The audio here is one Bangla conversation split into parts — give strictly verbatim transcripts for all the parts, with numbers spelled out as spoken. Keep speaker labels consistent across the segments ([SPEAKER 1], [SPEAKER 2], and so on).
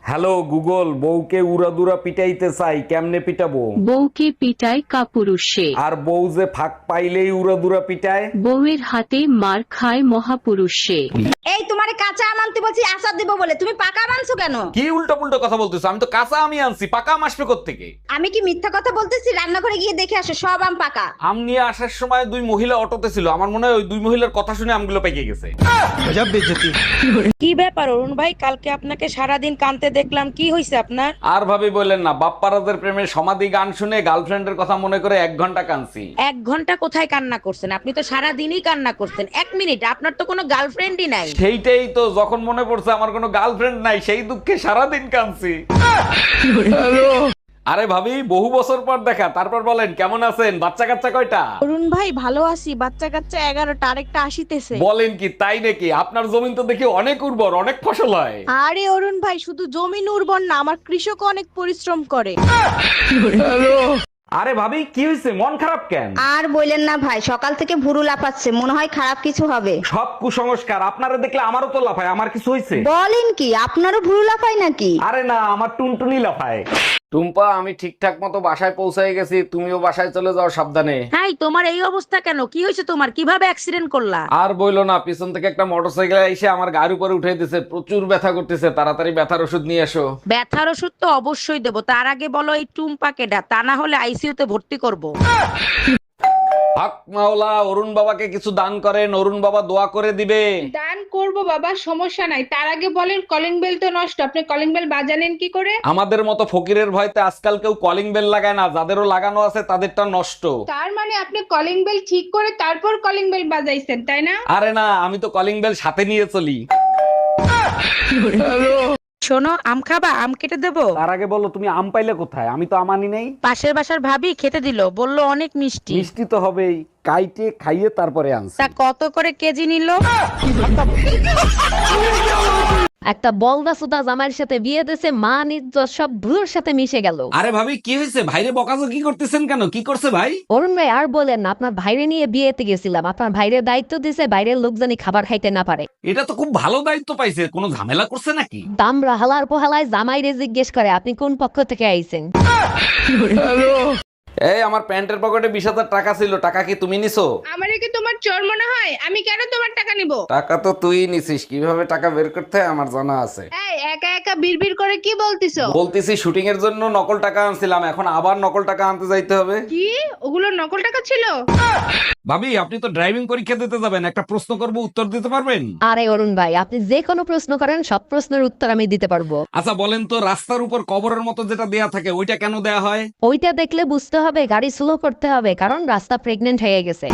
[SPEAKER 1] হ্যালো গুগল, বউকে উড়াদুরা পিটাইতে চাই, কেমনে পিটাবো?
[SPEAKER 2] বউকে পিটায় কাপুরুষে,
[SPEAKER 1] আর বউ যে ফাঁক পাইলেই উড়াদুরা পিটায়।
[SPEAKER 2] বউয়ের হাতে মার খায় মহাপুরুষে।
[SPEAKER 3] এই তোমারে কাঁচা আম আনতে বলছি আচার দেবো বলে, তুমি পাকা আম আনছো কেন?
[SPEAKER 1] কি উল্টো পুল্টো কথা বলতেছো? আমি তো কাঁচা আমি আনছি, পাকা আম আসবে কোত্থেকে?
[SPEAKER 3] আমি কি মিথ্যা কথা বলতেছি? রান্নাঘরে গিয়ে দেখে আসো, সব আম পাকা।
[SPEAKER 1] আম নিয়ে আসার সময় দুই মহিলা অটোতে ছিল, আমার মনে হয় ওই দুই মহিলার কথা শুনে আমগুলো পেকে গেছে।
[SPEAKER 4] কি ব্যাপার অরুণ ভাই, কালকে আপনাকে সারাদিন কাঁদতে দেখলাম, কি হয়েছে আপনার?
[SPEAKER 1] আর ভাবি বললেন না, বাপ্পারাজের প্রেমের সমাধি গান শুনে গার্লফ্রেন্ডের কথা মনে করে এক ঘন্টা কাঁদছি।
[SPEAKER 4] এক ঘন্টা কোথায় কান্না করছেন? আপনি তো সারাদিনই কান্না করছেন। এক মিনিট, আপনার তো কোনো গার্লফ্রেন্ডই নাই।
[SPEAKER 1] সেইটাই তো, যখন মনে পড়ছে আমার কোনো গার্লফ্রেন্ড নাই, সেই দুঃখে সারাদিন কাঁদছি। আরে ভাবি, বহু বছর পর দেখা, তারপর বলেন কেমন আছেন? বাচ্চা কাচ্চা কয়টা?
[SPEAKER 4] অরুণ ভাই ভালো আছি, বাচ্চা কাচ্চা এগারোটা, আরেকটা আসিতেছে।
[SPEAKER 1] বলেন কি, তাই নাকি? আপনার জমিন তো দেখি অনেক উর্বর, অনেক ফসল হয়।
[SPEAKER 4] আরে অরুণ ভাই, শুধু জমিন উর্বর না, আমার কৃষক অনেক পরিশ্রম করে।
[SPEAKER 1] আরে ভাবি, কি হয়েছে? মন খারাপ কেন?
[SPEAKER 3] আর বললেন না ভাই, সকাল থেকে ভুরু লাফাচ্ছে, মনে হয় খারাপ কিছু হবে।
[SPEAKER 1] সব কুসংস্কার। আপনারা দেখলে আমারও তো লাফায়। আমার কিছু হয়েছে?
[SPEAKER 3] বলেন কি, আপনারও ভুরু লাফায় নাকি?
[SPEAKER 1] আরে না, আমার টুনটুনি লাফায়। টুম্পা, আমি ঠিকঠাক মতো বাসায় পৌঁছে গেছি, তুমিও বাসায় চলে যাও সাবধানে।
[SPEAKER 4] হাই, তোমার এই অবস্থা কেন? কি হয়েছে তোমার? কিভাবে অ্যাক্সিডেন্ট করলা?
[SPEAKER 1] আর বইলো না, পিছন থেকে একটা মোটরসাইকেল এসে আমার গাড়ির উপরে উঠে দিছে, প্রচুর ব্যথা করতেছে। তাড়াতাড়ি ব্যথার ওষুধ নিয়ে এসো।
[SPEAKER 4] ব্যথার ওষুধ তো অবশ্যই দেবো, তার আগে বলো এই টুম্পা কেডা, তা না হলে আইসিইউতে ভর্তি করব।
[SPEAKER 1] হক মাওলা, অরুণ বাবাকে কিছু দান করেন, অরুণ বাবা দোয়া করে দিবে।
[SPEAKER 5] দান করব বাবা, সমস্যা নাই। তার আগে বলেন, কলিং বেল তো নষ্ট, আপনি কলিং বেল বাজালেন কি করে?
[SPEAKER 1] আমাদের মতো ফকিরের ভয়তে আজকাল কেউ কলিং বেল লাগায় না, যাদেরও লাগানো আছে তাদেরটা নষ্ট।
[SPEAKER 5] তার মানে আপনি কলিং বেল ঠিক করে তারপর কলিং বেল বাজাইছেন, তাই না?
[SPEAKER 1] আরে না, আমি তো কলিং বেল সাথে নিয়ে চলি।
[SPEAKER 4] শোনো, আম খাবা? আম কেটে দেবো?
[SPEAKER 1] তার আগে বলো, তুমি আম পাইলে কোথায়? আমি তো আম আনি নাই।
[SPEAKER 4] পাশের বাসার ভাবি খেতে দিল, বললো অনেক মিষ্টি।
[SPEAKER 1] মিষ্টি তো হবেই, কাইটে খাইয়ে তারপরে আনছি।
[SPEAKER 4] তা কত করে কেজি নিল?
[SPEAKER 6] একটা বলদা সুদা জামাইয়ের সাথে বিয়ে দিয়েছে, মান ইজ্জত সব ধুলোর সাথে মিশে গেল।
[SPEAKER 1] আরে ভাবি, কি হয়েছে? ভাইরে বকাজকি করতেছেন কেন? কি করছে ভাই?
[SPEAKER 6] অরুণ ভাই আর বলেন না, আপনার ভাইরে নিয়ে বিয়েতে গেছিলাম, আপনার ভাইরে দায়িত্ব দিয়েছে বাইরের লোক জানি খাবার খাইতে না পারে।
[SPEAKER 1] এটা তো খুব ভালো দায়িত্ব পাইছে, কোনো ঝামেলা করছে নাকি?
[SPEAKER 6] দামরা হালার পোহালায় জামাইরে জিজ্ঞেস করে আপনি কোন পক্ষ থেকে আইছেন।
[SPEAKER 1] এই, আমার প্যান্টের পকেটে বিশ হাজার টাকা ছিল, টাকা কি তুমি নিছো?
[SPEAKER 5] আমারে কি তোমার চোর মনে হয়? আমি কেন তোমার টাকা নিব?
[SPEAKER 1] টাকা তো তুই নিছিস, কিভাবে টাকা বের করতে হয় আমার জানা আছে।
[SPEAKER 5] এই একা একা বিড়বিড় করে কি বলতিছো?
[SPEAKER 1] বলতেছি শুটিং এর জন্য নকল টাকা আনছিলাম, এখন আবার নকল টাকা আনতে যাইতে হবে।
[SPEAKER 5] কি ওগুলো নকল টাকা ছিল?
[SPEAKER 1] ভাবি, আপনি তো ড্রাইভিং পরীক্ষা দিতে যাবেন, একটা প্রশ্ন করব, উত্তর দিতে পারবেন?
[SPEAKER 6] আরে অরুণ ভাই, আপনি যে কোনো প্রশ্ন করেন, সব প্রশ্নের উত্তর আমি দিতে পারবো।
[SPEAKER 1] আচ্ছা বলেন তো, রাস্তার উপর কবরের মতো যেটা দেয়া থাকে ওইটা কেন দেয়া হয়?
[SPEAKER 6] ওইটা দেখলে বুঝতে হবে গাড়ি স্লো করতে হবে, কারণ রাস্তা প্রেগনেন্ট হয়ে গেছে।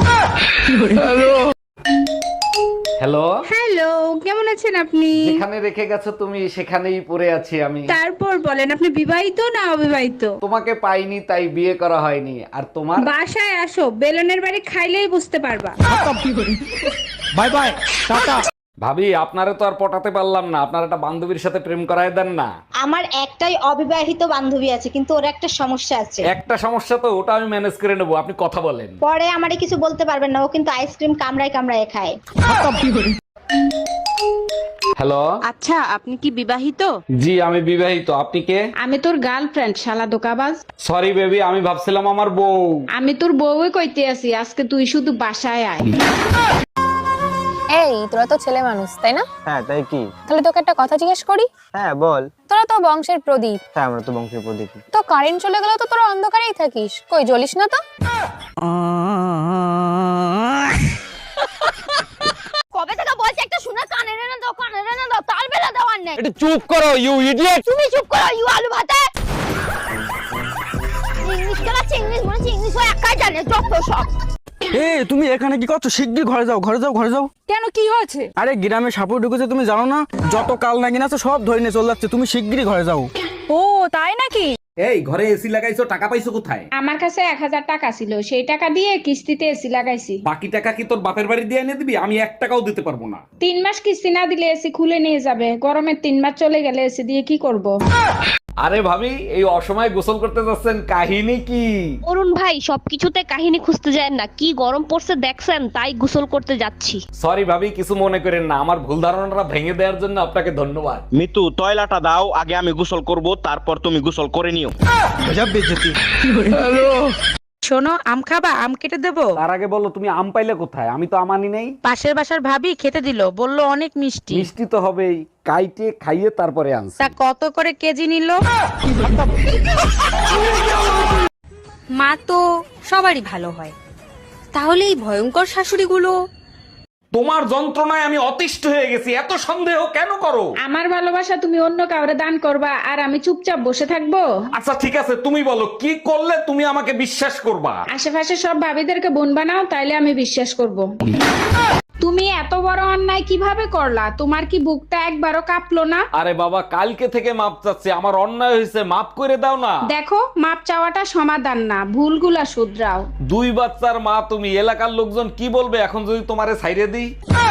[SPEAKER 1] হ্যালো,
[SPEAKER 5] হ্যালো, কেমন আছেন আপনি?
[SPEAKER 1] যেখানে রেখে গেছো তুমি সেখানেই পড়ে আছি আমি।
[SPEAKER 5] তারপর বলেন, আপনি বিবাহিত না অবিবাহিত?
[SPEAKER 1] তোমাকে পাইনি তাই বিয়ে করা হয়নি। আর তোমার?
[SPEAKER 5] বাসায় আসো, বেলনের বাড়ি খাইলেই বুঝতে পারবা।
[SPEAKER 1] Bye bye, tata. ভাবি, আপনারে তো আর পটাতে পারলাম না, আপনার একটা বান্ধবীর সাথে প্রেম করায় দেন না।
[SPEAKER 3] আমার একটাই অবিবাহিত বান্ধবী আছে, কিন্তু ওর একটা সমস্যা আছে।
[SPEAKER 1] একটা সমস্যা তো, ওটা আমি ম্যানেজ করে নেবো, আপনি কথা বলেন।
[SPEAKER 3] পরে আমারে কিছু বলতে পারবেন না, ও কিন্তু আইসক্রিম কামড়ায় কামড়ায় খায়।
[SPEAKER 1] হ্যালো,
[SPEAKER 7] আচ্ছা, আপনি কি বিবাহিত?
[SPEAKER 1] জি আমি বিবাহিত। আপনি কে?
[SPEAKER 7] আমি তোর গার্লফ্রেন্ড, শালা দোকাবাজ।
[SPEAKER 1] সরি বেবি, আমি ভাবছিলাম আমার বউ।
[SPEAKER 7] আমি তোর বউই কইতে আছি, আজকে তুই শুধু বাসায় আয়।
[SPEAKER 8] এই, তোরা তো ছেলে মানুষ তাই না?
[SPEAKER 9] হ্যাঁ, তাই কি?
[SPEAKER 8] তাহলে তোকে একটা কথা জিজ্ঞেস করি।
[SPEAKER 9] হ্যাঁ বল।
[SPEAKER 8] তোরা তো বংশের প্রদীপ।
[SPEAKER 9] হ্যাঁ, আমরা তো বংশের প্রদীপ।
[SPEAKER 8] তো কারেন্ট চলে গেলে তো তোরা অন্ধকারেই থাকিস, কই জ্বলিস না তো?
[SPEAKER 3] কবে থেকে বলছি একটা শুনে কানে রেনে দাও, কানে রেনে দাও, তার বেলা দেওয়ার নেই।
[SPEAKER 1] একটু চুপ করো ইউ ইডিয়েট।
[SPEAKER 3] তুমি চুপ করো ইউ আলু ভাতে। ইংলিশ কেলাচ্ছে, ইংলিশ মনে হচ্ছে ইংলিশ হয় একাই জানে, যত সব।
[SPEAKER 10] এ তুমি এখানে কি করছো? শিগগির ঘরে যাও, ঘরে যাও, ঘরে যাও।
[SPEAKER 4] কেন, কি হয়েছে?
[SPEAKER 10] আরে গ্রামে সাপুর ঢুকেছে, তুমি জানো না? যত কাল নাগিন আছে সব ধরে নিয়ে চলে যাচ্ছে, তুমি শিগগিরই ঘরে যাও।
[SPEAKER 4] ও তাই নাকি?
[SPEAKER 1] এই, ঘরে এসি লাগাইছো, টাকা পাইছো কোথায়?
[SPEAKER 5] আমার কাছে এক হাজার টাকা ছিল, সেই টাকা দিয়ে কিস্তিতে এসি লাগাইছি।
[SPEAKER 1] বাকি টাকা কি তোর বাপের বাড়ি দিয়ে এনে দিবি? আমি এক টাকাও দিতে পারবো না।
[SPEAKER 5] তিন মাস কিস্তি না দিলে এসি খুলে নিয়ে যাবে, গরমের তিন মাস চলে গেলে এসি দিয়ে কি করব?
[SPEAKER 1] আরে ভাবি, এই অসময়ে গোসল করতে যাচ্ছেন, কাহিনী কি?
[SPEAKER 3] অরুণ ভাই সবকিছুতে কাহিনী খুঁজতে যায় না, কি গরম পড়ছে দেখছেন, তাই গোসল করতে যাচ্ছি।
[SPEAKER 1] সরি ভাবি, কিছু মনে করেন না, আমার ভুল ধারণাটা ভেঙে দেওয়ার জন্য আপনাকে ধন্যবাদ।
[SPEAKER 9] মিতু তয়লাটা দাও, আগে আমি গোসল করব, তারপর তুমি গোসল করে নিও।
[SPEAKER 4] শোনো, আম খাবা? আম কেটে দেবো?
[SPEAKER 1] তার আগে বলো, তুমি আম পাইলে কোথায়? আমি তো আমানি নেই।
[SPEAKER 4] পাশের বাসার ভাবি খেতে দিল, বললো অনেক মিষ্টি।
[SPEAKER 1] মিষ্টি তো হবেই, কাইটে খাইয়ে তারপরে আনছি।
[SPEAKER 4] তা কত করে কেজি নিল?
[SPEAKER 8] মা তো সবারই ভালো হয়, তাহলে এই ভয়ঙ্কর শাশুড়িগুলো?
[SPEAKER 1] তোমার যন্ত্রণায় আমি অতিষ্ঠ হয়ে গেছি, এত সন্দেহ কেন করো?
[SPEAKER 5] আমার ভালোবাসা তুমি অন্য কাউরে দান করবা আর আমি চুপচাপ বসে থাকবো?
[SPEAKER 1] আচ্ছা ঠিক আছে, তুমি বলো কি করলে তুমি আমাকে বিশ্বাস করবা?
[SPEAKER 5] আশেপাশে সব ভাবিদেরকে বোন বানাও, তাইলে আমি বিশ্বাস করব। তুমি এত বড় অন্যায় কিভাবে করলা? তোমার কি বুকটা একবারও কাঁপলো না?
[SPEAKER 1] আরে বাবা, কালকে থেকে মাপ চাচ্ছি, আমার অন্যায় হয়েছে, মাপ করে দাও না।
[SPEAKER 5] দেখো, মাপ চাওয়াটা সমাধান না, ভুলগুলা শুধরাও।
[SPEAKER 1] দুই বাচ্চার মা তুমি, এলাকার লোকজন কি বলবে এখন যদি তোমারে ছাইরে দিই?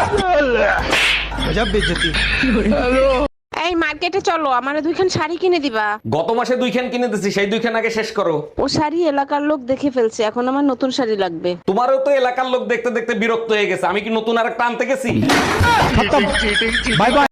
[SPEAKER 4] এই মার্কেটে চলো, আমারে দুইখান শাড়ি কিনে দিবা।
[SPEAKER 1] গত মাসে দুইখান কিনে দিছি, সেই দুইখান আগে শেষ করো।
[SPEAKER 4] ও শাড়ি এলাকার লোক দেখে ফেলছে, এখন আমার নতুন শাড়ি লাগবে।
[SPEAKER 1] তোমারও তো এলাকার লোক দেখতে দেখতে বিরক্ত হয়ে গেছে, আমি কি নতুন আর একটা আনতে গেছি? Bye by.